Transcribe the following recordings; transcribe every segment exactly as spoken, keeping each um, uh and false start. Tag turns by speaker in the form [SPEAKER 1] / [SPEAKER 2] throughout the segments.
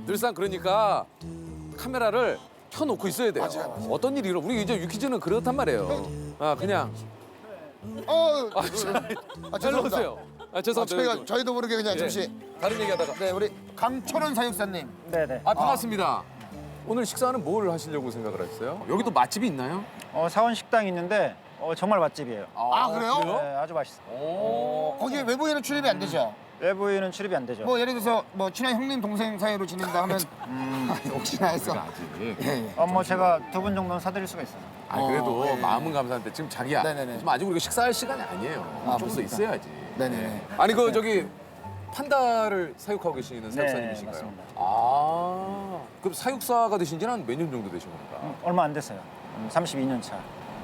[SPEAKER 1] 늘상 그러니까 카메라를 켜놓고 있어야 돼요.
[SPEAKER 2] 맞아요, 맞아요.
[SPEAKER 1] 어떤 일이 일어? 우리 이제 유퀴즈는 그렇단 말이에요. 아 그냥
[SPEAKER 2] 어,
[SPEAKER 1] 아, 저,
[SPEAKER 2] 아,
[SPEAKER 1] 일로
[SPEAKER 2] 죄송합니다.
[SPEAKER 1] 오세요. 아
[SPEAKER 2] 아,
[SPEAKER 1] 죄송합니다.
[SPEAKER 2] 저희가 저희도 모르게 그냥
[SPEAKER 1] 예.
[SPEAKER 2] 잠시.
[SPEAKER 1] 다른 얘기하다가.
[SPEAKER 2] 네, 우리 강철원 사육사님.
[SPEAKER 3] 네네.
[SPEAKER 1] 아 반갑습니다. 오늘 식사는 뭘 하시려고 생각을 하셨어요? 여기도 맛집이 있나요?
[SPEAKER 3] 어, 사원 식당이 있는데 어, 정말 맛집이에요.
[SPEAKER 2] 아, 그래요?
[SPEAKER 3] 네, 아주 맛있어요.
[SPEAKER 1] 오.
[SPEAKER 2] 거기 외부인은 출입이 안 되죠?
[SPEAKER 3] 외부인은 출입이 안 되죠.
[SPEAKER 2] 뭐 예를 들어서 뭐 친한 형님 동생 사이로 지낸다 하면 음, 혹시나 해서.
[SPEAKER 1] 아직.
[SPEAKER 2] 예, 예.
[SPEAKER 3] 어, 뭐 제가 두 분 정도는 사드릴 수가 있어요.
[SPEAKER 1] 아 그래도
[SPEAKER 2] 어, 네.
[SPEAKER 1] 마음은 감사한데 지금 자기야.
[SPEAKER 2] 네네네.
[SPEAKER 1] 지금 아직 우리가 식사할 시간이 아니에요.
[SPEAKER 2] 아,
[SPEAKER 1] 좀 더
[SPEAKER 2] 그렇습니까?
[SPEAKER 1] 있어야지.
[SPEAKER 2] 네네네.
[SPEAKER 1] 아니 그 저기 판다를 사육하고 계시는
[SPEAKER 3] 네,
[SPEAKER 1] 사육사님이신가요?
[SPEAKER 3] 맞습니다.
[SPEAKER 1] 아 그럼 사육사가 되신 지는 한 몇 년 정도 되신 겁니까?
[SPEAKER 3] 음, 얼마 안 됐어요. 음, 삼십이 년 차.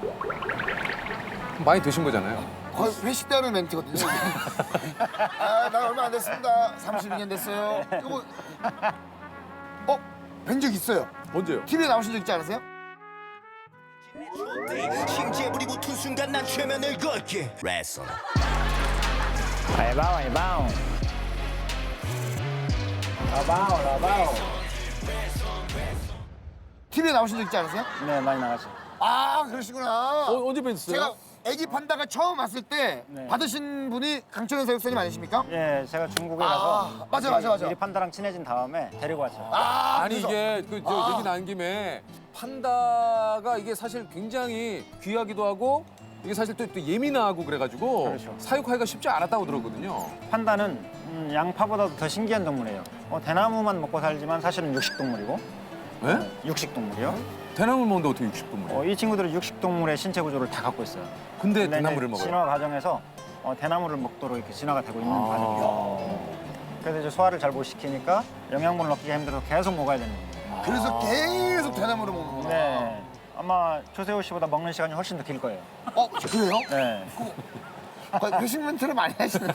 [SPEAKER 1] 많이 되신 거잖아요.
[SPEAKER 2] 거의 회식 때 하는 멘트거든요. 아, 나 얼마 안 됐습니다. 삼십이 년 됐어요. 이거 뭐... 어? 뵌 적 있어요.
[SPEAKER 1] 언제요?
[SPEAKER 2] 티비에 나오신 적 있지 않으세요?
[SPEAKER 4] 심지에 불이 붙은 순간 난 최면을 걸게 레슨
[SPEAKER 3] 아이바오 아이바오. 라바오 라바오.
[SPEAKER 2] 티비에 나오신 적 있지 않으세요?
[SPEAKER 3] 네, 많이 나가죠.
[SPEAKER 2] 아, 그러시구나.
[SPEAKER 1] 어, 언제 뵀어요?
[SPEAKER 2] 제가 애기 판다가 처음 왔을 때
[SPEAKER 3] 네.
[SPEAKER 2] 받으신 분이 강철현 사육사님 아니십니까?
[SPEAKER 3] 예, 제가 중국에
[SPEAKER 2] 아,
[SPEAKER 3] 가서
[SPEAKER 2] 맞아, 맞아, 맞아.
[SPEAKER 3] 미리 판다랑 친해진 다음에 데리고 왔죠.
[SPEAKER 2] 아,
[SPEAKER 1] 아니
[SPEAKER 2] 그래서-
[SPEAKER 1] 이게 그 저
[SPEAKER 2] 아.
[SPEAKER 1] 얘기 나온 김에 판다가 이게 사실 굉장히 귀하기도 하고 이게 사실 또, 또 예민하고 그래가지고
[SPEAKER 3] 그렇죠.
[SPEAKER 1] 사육하기가 쉽지 않았다고 들었거든요.
[SPEAKER 3] 판다는 음, 양파보다도 더 신기한 동물이에요. 어, 대나무만 먹고 살지만 사실은 육식동물이고
[SPEAKER 1] 네?
[SPEAKER 3] 육식동물이요.
[SPEAKER 1] 대나무를 먹는데 어떻게 육식동물이에요?
[SPEAKER 3] 어, 이 친구들은 육식동물의 신체 구조를 다 갖고 있어요.
[SPEAKER 1] 근데
[SPEAKER 3] 근데
[SPEAKER 1] 대나무를
[SPEAKER 3] 이제
[SPEAKER 1] 먹어요?
[SPEAKER 3] 진화 과정에서 어, 대나무를 먹도록 이렇게 진화가 되고 있는
[SPEAKER 1] 아.
[SPEAKER 3] 과정이에요. 그래서 이제 소화를 잘 못 시키니까 영양분을 얻기가 힘들어서 계속 먹어야 되는 거예요.
[SPEAKER 2] 그래서 계속 대나무를 먹는구나.
[SPEAKER 3] 네. 아마 조세호 씨보다 먹는 시간이 훨씬 더 길 거예요.
[SPEAKER 2] 어, 그래요?
[SPEAKER 3] 네.
[SPEAKER 2] 거의 회식 멘트를 많이 하시네.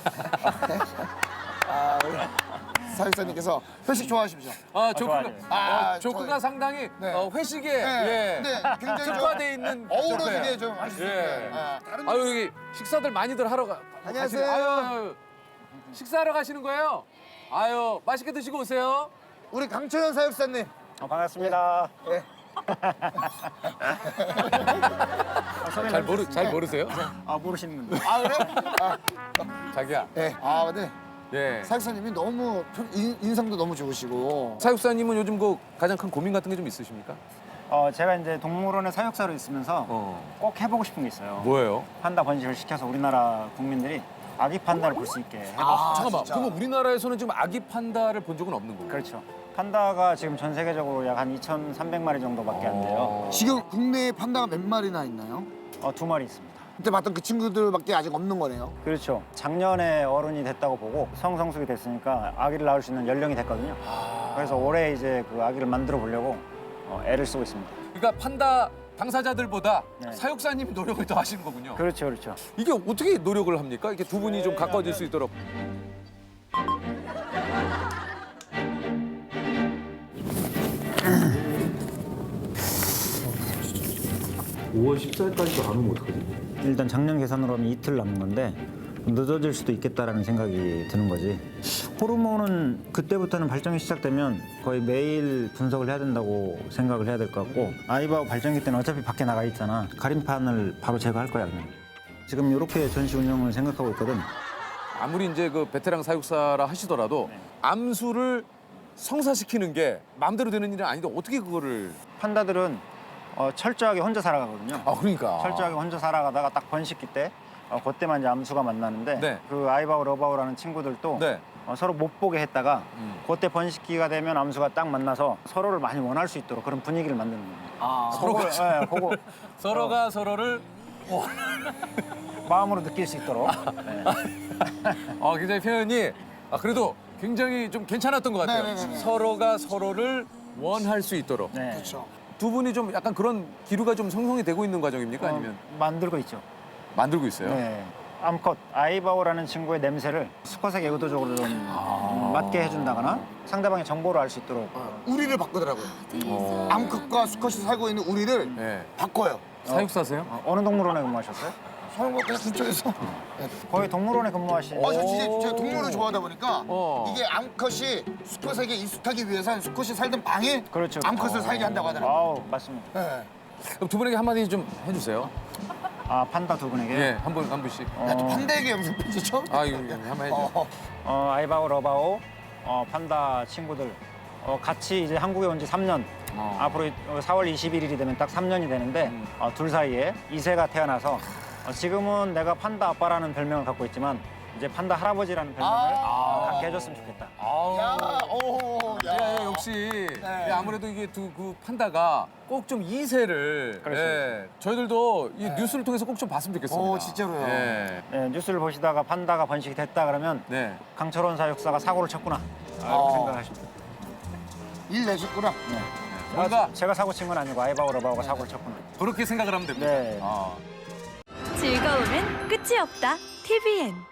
[SPEAKER 2] 아, 우리 사육사님께서 회식 좋아하십시오.
[SPEAKER 1] 아 조크가
[SPEAKER 3] 좋아요.
[SPEAKER 2] 아,
[SPEAKER 1] 어, 조크가
[SPEAKER 2] 저희-
[SPEAKER 1] 상당히
[SPEAKER 2] 네.
[SPEAKER 1] 어, 회식에
[SPEAKER 2] 네,
[SPEAKER 1] 예.
[SPEAKER 2] 네, 굉장히 좀
[SPEAKER 1] 특화돼 있는
[SPEAKER 2] 어우러지게
[SPEAKER 1] 조크예요.
[SPEAKER 2] 좀 하시죠.
[SPEAKER 1] 예.
[SPEAKER 2] 아, 다른
[SPEAKER 1] 아유 여기 식사들 많이들 하러 가.
[SPEAKER 2] 안녕하세요.
[SPEAKER 1] 가시는- 아유, 아유, 식사하러 가시는 거예요? 아유 맛있게 드시고 오세요.
[SPEAKER 2] 우리 강철현 사육사님.
[SPEAKER 3] 어, 반갑습니다.
[SPEAKER 2] 예.
[SPEAKER 1] 잘 모르 잘 모르세요?
[SPEAKER 3] 아, 모르시는군요.
[SPEAKER 2] 아, 그래? 아,
[SPEAKER 1] 자기야.
[SPEAKER 2] 예. 아, 근데
[SPEAKER 1] 예.
[SPEAKER 2] 사육사님이 너무 편- 인, 인상도 너무 좋으시고.
[SPEAKER 1] 사육사님은 요즘 그 가장 큰 고민 같은 게 좀 있으십니까?
[SPEAKER 3] 어, 제가 이제 동물원의 사육사로 있으면서
[SPEAKER 1] 어.
[SPEAKER 3] 꼭 해보고 싶은 게 있어요.
[SPEAKER 1] 뭐예요?
[SPEAKER 3] 판다 번식을 시켜서 우리나라 국민들이 아기 판다를 볼 수 있게 해보고
[SPEAKER 2] 아,
[SPEAKER 1] 잠깐만.
[SPEAKER 2] 진짜.
[SPEAKER 1] 그러면 우리나라에서는 지금 아기 판다를 본 적은 없는 거예요?
[SPEAKER 3] 그렇죠. 판다가 지금 전 세계적으로 약 한 이천삼백 마리 정도밖에 안 돼요.
[SPEAKER 2] 지금 국내에 판다가 몇 마리나 있나요?
[SPEAKER 3] 어, 두 마리 있습니다.
[SPEAKER 2] 그때 봤던 그 친구들밖에 아직 없는 거네요.
[SPEAKER 3] 그렇죠. 작년에 어른이 됐다고 보고 성성숙이 됐으니까 아기를 낳을 수 있는 연령이 됐거든요. 그래서 올해 이제 그 아기를 만들어 보려고 어, 애를 쓰고 있습니다.
[SPEAKER 1] 그러니까 판다 당사자들보다
[SPEAKER 3] 네.
[SPEAKER 1] 사육사님이 노력을 더 하시는 거군요.
[SPEAKER 3] 그렇죠, 그렇죠.
[SPEAKER 1] 이게 어떻게 노력을 합니까? 이렇게 두 분이 좀 가까워질 수 있도록.
[SPEAKER 5] 오월 십사일까지도 안 오면 어떡하지?
[SPEAKER 3] 일단 작년 계산으로 하면 이틀 남은 건데 늦어질 수도 있겠다라는 생각이 드는 거지. 호르몬은 그때부터는 발정이 시작되면 거의 매일 분석을 해야 된다고 생각을 해야 될 것 같고 아이바오 발정기 때는 어차피 밖에 나가 있잖아. 가림판을 바로 제거할 거야 그냥. 지금 이렇게 전시 운영을 생각하고 있거든.
[SPEAKER 1] 아무리 이제 그 베테랑 사육사라 하시더라도
[SPEAKER 3] 네.
[SPEAKER 1] 암수를 성사시키는 게 마음대로 되는 일은 아닌데 어떻게 그거를?
[SPEAKER 3] 판다들은 어, 철저하게 혼자 살아가거든요.
[SPEAKER 1] 아 그러니까.
[SPEAKER 3] 철저하게 혼자 살아가다가 딱 번식기 때 어, 그때만 이제 암수가 만나는데
[SPEAKER 1] 네.
[SPEAKER 3] 그 아이바오 러바오라는 친구들도
[SPEAKER 1] 네.
[SPEAKER 3] 어, 서로 못 보게 했다가
[SPEAKER 1] 음.
[SPEAKER 3] 그때 번식기가 되면 암수가 딱 만나서 서로를 많이 원할 수 있도록 그런 분위기를 만드는 거예요.
[SPEAKER 2] 아,
[SPEAKER 1] 서로가
[SPEAKER 3] 그거, 예, 그거
[SPEAKER 1] 서로가 서로를
[SPEAKER 3] 마음으로 느낄 수 있도록. 네.
[SPEAKER 1] 어, 굉장히 표현이 아 그래도 굉장히 좀 괜찮았던 것 같아요.
[SPEAKER 2] 네네네네.
[SPEAKER 1] 서로가 서로를 원할 수 있도록.
[SPEAKER 3] 네.
[SPEAKER 2] 그렇죠.
[SPEAKER 1] 두 분이 좀 약간 그런 기류가 좀 성성이 되고 있는 과정입니까? 아니면
[SPEAKER 3] 어, 만들고 있죠.
[SPEAKER 1] 만들고 있어요?
[SPEAKER 3] 네. 암컷 아이바오라는 친구의 냄새를 수컷에게 의도적으로 좀 음, 맡게 해준다거나 상대방의 정보를 알 수 있도록.
[SPEAKER 2] 우리를 바꾸더라고요. 암컷과 수컷이 살고 있는 우리를
[SPEAKER 1] 네.
[SPEAKER 2] 바꿔요.
[SPEAKER 1] 사육사세요?
[SPEAKER 3] 어, 어느 동물원에 근무하셨어요?
[SPEAKER 2] 서울고 그냥 근처에서.
[SPEAKER 3] 거의 동물원에 근무하신.
[SPEAKER 2] 어, 저 진짜 제가 동물을 좋아하다 보니까
[SPEAKER 1] 어.
[SPEAKER 2] 이게 암컷이 수컷에게 익숙하기 위해서는 수컷이 살던 방에
[SPEAKER 3] 그렇죠.
[SPEAKER 2] 암컷을 살게 한다고 하더라고요.
[SPEAKER 3] 아우 맞습니다.
[SPEAKER 2] 네.
[SPEAKER 1] 그럼 두 분에게 한마디 좀 해주세요.
[SPEAKER 3] 아 판다 두 분에게.
[SPEAKER 1] 예, 한 분 한 분씩.
[SPEAKER 2] 야, 또 판다에게 영상 편지 처음.
[SPEAKER 1] 아, 이거 이거 한번 해줘.
[SPEAKER 2] 어,
[SPEAKER 3] 어, 아이바오 러바오 어, 판다 친구들 어, 같이 이제 한국에 온 지 삼 년.
[SPEAKER 1] 어.
[SPEAKER 3] 앞으로 사월 이십일일이 되면 딱 삼 년이 되는데
[SPEAKER 1] 음.
[SPEAKER 3] 어, 둘 사이에 이세가 태어나서 어, 지금은 내가 판다 아빠라는 별명을 갖고 있지만 이제 판다 할아버지라는 별명을 어, 갖게 해줬으면 좋겠다.
[SPEAKER 2] 야, 오, 야.
[SPEAKER 1] 예, 예, 역시
[SPEAKER 2] 네.
[SPEAKER 1] 예, 아무래도 이게 두 그 판다가 꼭 좀 이세를
[SPEAKER 3] 그렇죠.
[SPEAKER 1] 예, 저희들도 이 뉴스를 통해서 꼭 좀 봤으면 좋겠습니다.
[SPEAKER 2] 오, 진짜로요?
[SPEAKER 1] 예.
[SPEAKER 3] 네, 뉴스를 보시다가 판다가 번식이 됐다 그러면
[SPEAKER 1] 네.
[SPEAKER 3] 강철원 사육사가 사고를 쳤구나 라고
[SPEAKER 2] 어.
[SPEAKER 3] 생각하십니다.
[SPEAKER 2] 일 내셨구나.
[SPEAKER 3] 네.
[SPEAKER 1] 뭔가
[SPEAKER 3] 아, 제가 사고 친 건 아니고 아이바오 러바오가 사고를 쳤구나.
[SPEAKER 1] 그렇게 생각을 하면 됩니다.
[SPEAKER 3] 네.
[SPEAKER 1] 아.
[SPEAKER 6] 즐거움은 끝이 없다. 티비엔